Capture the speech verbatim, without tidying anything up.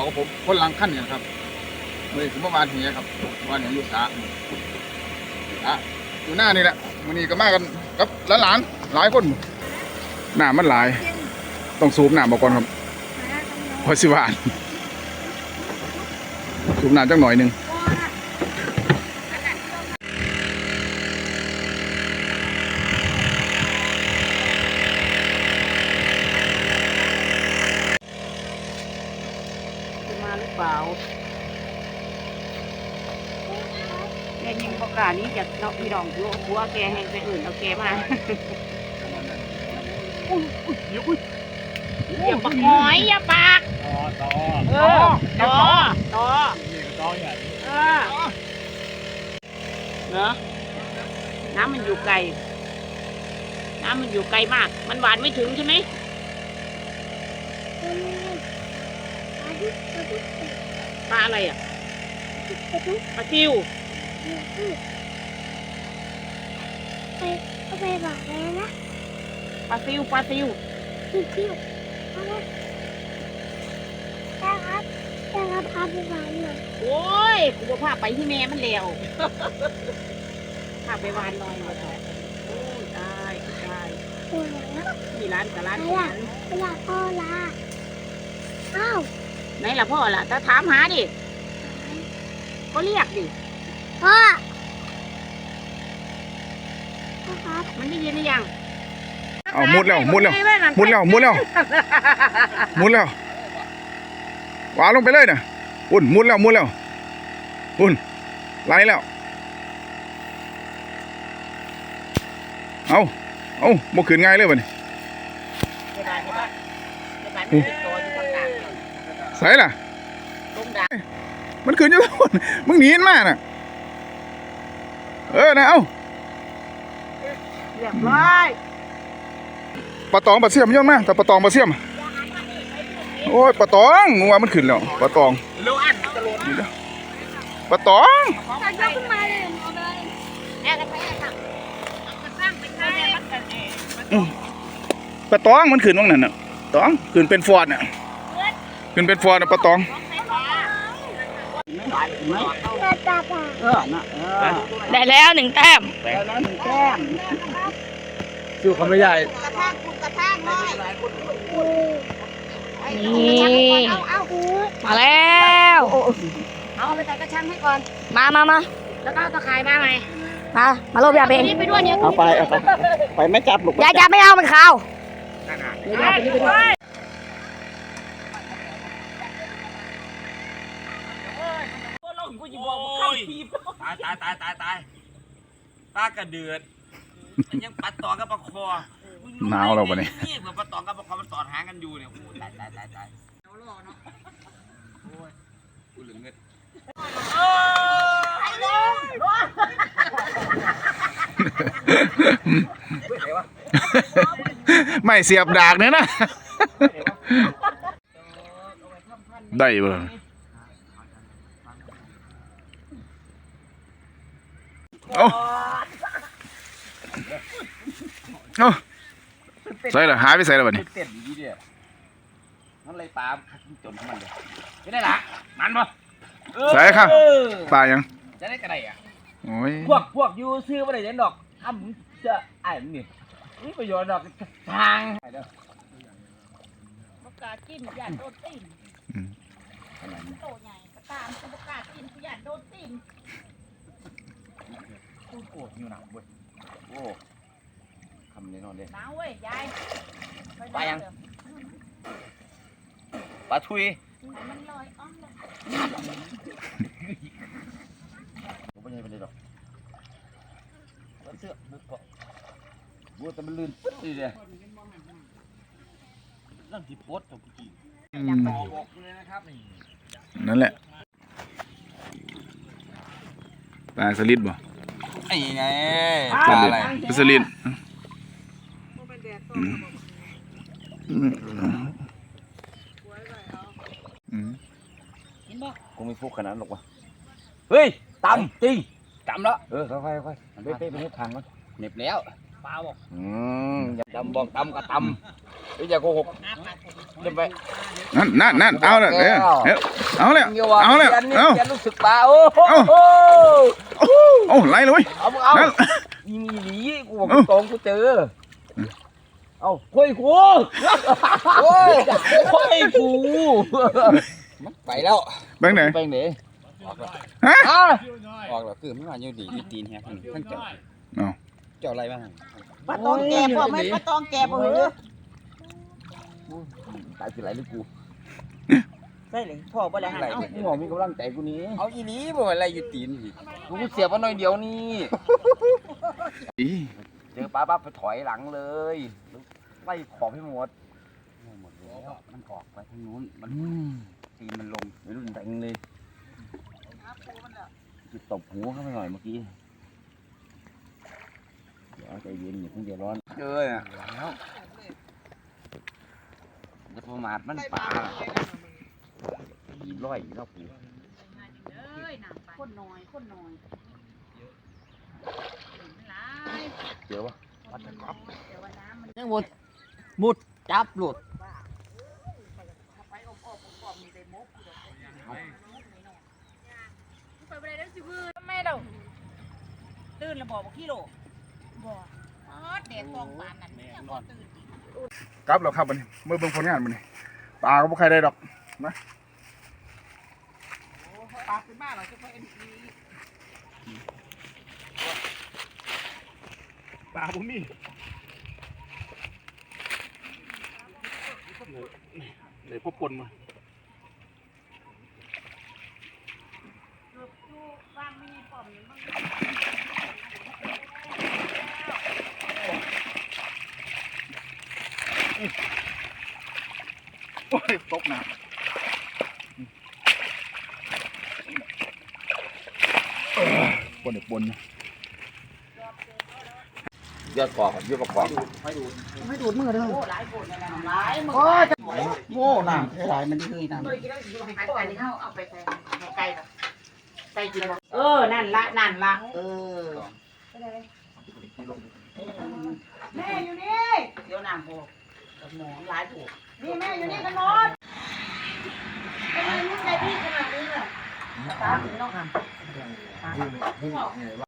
กับผมคนหลังขั้นเนี่ยครับมือสมวานเหียครับวานเหียอยู่สาอ่ะอยู่หน้านี่แหละวันนี้ก็มากันกับหลานๆหลายคนหน้ามันหลายต้องสูบหน้ามาก่อนครับพอสิวานสูบหน้าจังหน่อยหนึ่งมาหรือเปล่าแกยิงประกาศนี้จากนอกพี่น้องอยู่หัวแกแหงไปอื่นเอาแกมาอย่าปากหอยอย่าปากต่อต่อต่อต่อต่ออย่างนี้เออเนอะน้ำมันอยู่ไกลน้ำมันอยู่ไกลมากมันหวานไม่ถึงใช่ไหมปลาอะไรอ่ะปลาซิวไปเอาไปบอกเลยนะปลาซิวปลาซิวซิวซิวเอาไว้ได้ครับได้ครับพาไปวานหน่อยโอ้ยกูจะพาไปที่แม่มันแล้วพาไปวานลอยมาต่อโอ้ยตายตายโอ้ยแล้วมีร้านกับร้านไหนล่ะเวลาพ่อละอ้าวไหนล่ะพ่อล่ะถ้าถามหาดิก็เรียกดิพ่อพ่อครับมันได้ยินหรือยังเอามุดแล้วมุดแล้วมุดแล้วมุดแล้วมุดแล้ววางลงไปเลยนะอุ่นมุดแล้วมุดแล้วอุ่นไหลแล้วเอาเอาโมขืนง่ายเลยวันนี้ใส่ล่ะมันขืนอยู่ทุกคนมึงหนีมากน่ะเออนะเอาเรียบร้อยปลาตองปลาเสี่ยมเยอะมากแต่ปลาตองปลาเสี่ยมโอ้ยปลาตองงัวมันขึ้นแล้วปลาตองปลาตองปลาตองมันขึ้นว่างนั่นน่ะตองขึ้นเป็นฟอร์ดน่ะขึ้นเป็นฟอร์ดน่ะปลาตองได้แล้วหนึ่งแต้มได้แล้วหนึ่งแต้มสู้เขาไม่ใหญ่นี่มาแล้วเอาไปใส่กระชังให้ก่อนมามามาแล้วก็ตะข่ายมาไหมมามาโลบยาเบงไปด้วยเนี่ยเอาไปเอาไปไปไม่จับหรอกยาจับไม่เอามันขาวเดี๋ยวไปนี่ไปด้วยตายตายตายตายตายปลากระเดือดยังปัดต่อกับปลาคอหนาวเราปะเนี่ยนี่เหมือนปลาตองกับปลาคอมันต่อหางกันอยู่เนี่ยโอ้ตายตายตายตายโอ้ยกูเหลือเงินไม่เสียบดากเนี่ยนะได้บ่เอาเอาใส่ละหายไปใส่ละบัดนี้เต้นดีเดียวมันเลยปลาจนมันเลยไม่ได้ละมันปะใส่ครับปลายังจะได้กระไรอ่ะโอ้ยพวกพวกยูซื้อมาได้เด่นดอกอ้ำจะไอ้นี่นี่ประโยชน์ดอกทางประกาศกินหยาดโดนตีนโตใหญ่ประกาศประกาศกินหยาดโดนตีนตู้โกรธอยู่หนักเว้ยโอ้คำนี้นอนเลยหนาวเว้ยยายปลายังปลาทุยมันลอยอ้อมเลยผมไม่ใช่เป็นไรหรอกเสื้อบุกเกาะบัวแต่มันลื่นปึ๊ดเลยนั่นที่โพสต์ตัวกี้บอกเลยนะครับนี่นั่นแหละปลาสลิดบ่ไอ้ไงปลาอะไรปลาสลิดกูไม่ฟุกขนาดหรอกวะเฮ้ยตำจริงตำแล้วเออค่อยๆค่อยๆไปไปไปให้ทางก่อนเหน็บแล้วปลาบอกอืมอย่าตำบอกตำก็ตำไม่อย่าโกหกเดินไปนั่นนั่นนั่นเอาเลยเดี๋ยวเดี๋ยวเอาเลยเอาเลยเอาอย่ารู้สึกปลาโอ้โหโอ้ไล่เลยเอามึงเอานั่นยิงหนีกูบอกตรงกูเจอเอาคุยกูโอ้ยคุยกูไปแล้วแบงค์ไหนไปไหนฮะออกแล้วคือไม่มาอยู่ดีอยู่ตีนแฮะท่านเจ้าเอาเจ้าอะไรบ้างปลาตองแก่พ่อไม่ปลาตองแก่พ่อเหรอตายสิไรหรือกูใช่เลยพ่อบ่ได้หันไรเอากูบอกมีกำลังใจกูนี้เอาอีนี้บ่อะไรอยู่ตีนอีกกูเสียบมาหน่อยเดียวนี่อีเจอปลาปั๊บไปถอยหลังเลยไล่ขอบให้หมดหมดแล้วมันออกไปทางนู้นมันตีนมันลงไม่รู้แดงเลยจะตบหูเข้าไปหน่อยเมื่อกี้เดี๋ยวใจเย็นอย่าเพิ่งใจร้อนเจออ่ะแล้วจะประมาทมันปลาอีร้อยแล้วกูคนน้อยคนน้อยเจอวะวัดตะกอบยังมุดมุดจับหลุดไม่เราตื่นแล้วบอกว่าขี้โลบอกอ๋อเด็กฟองปานนั่นเนี่ยบ่ตื่นกลับแล้วครับมันเมื่อเบิ่งผลงานมันนี่ปลาก็บ่ใครได้ดอกนะปลาขึ้นมาเราจะไปเอ็นอีปลาบ่มีเดี๋ยวพบปนมาโอ้ยตกน้ำปนเดี๋ยวปนยอดกอกยอดกอกไม่ดูดมือเลยโอ้หลายคนเลยนะหลายมือโอ้น้ำหลายมันคือน้ำไปไปที่เขาเอาไปใส่ไก่แบบใส่กินเออนั่นละนั่นละเออแม่อยู่นี่เดี๋ยวน้ำโบกหมอหลายผูกนี่แม่อยู่นี่กันหมดทำไมมึงใจพี่ขนาดนี้ล่ะตาถึงต้องทำ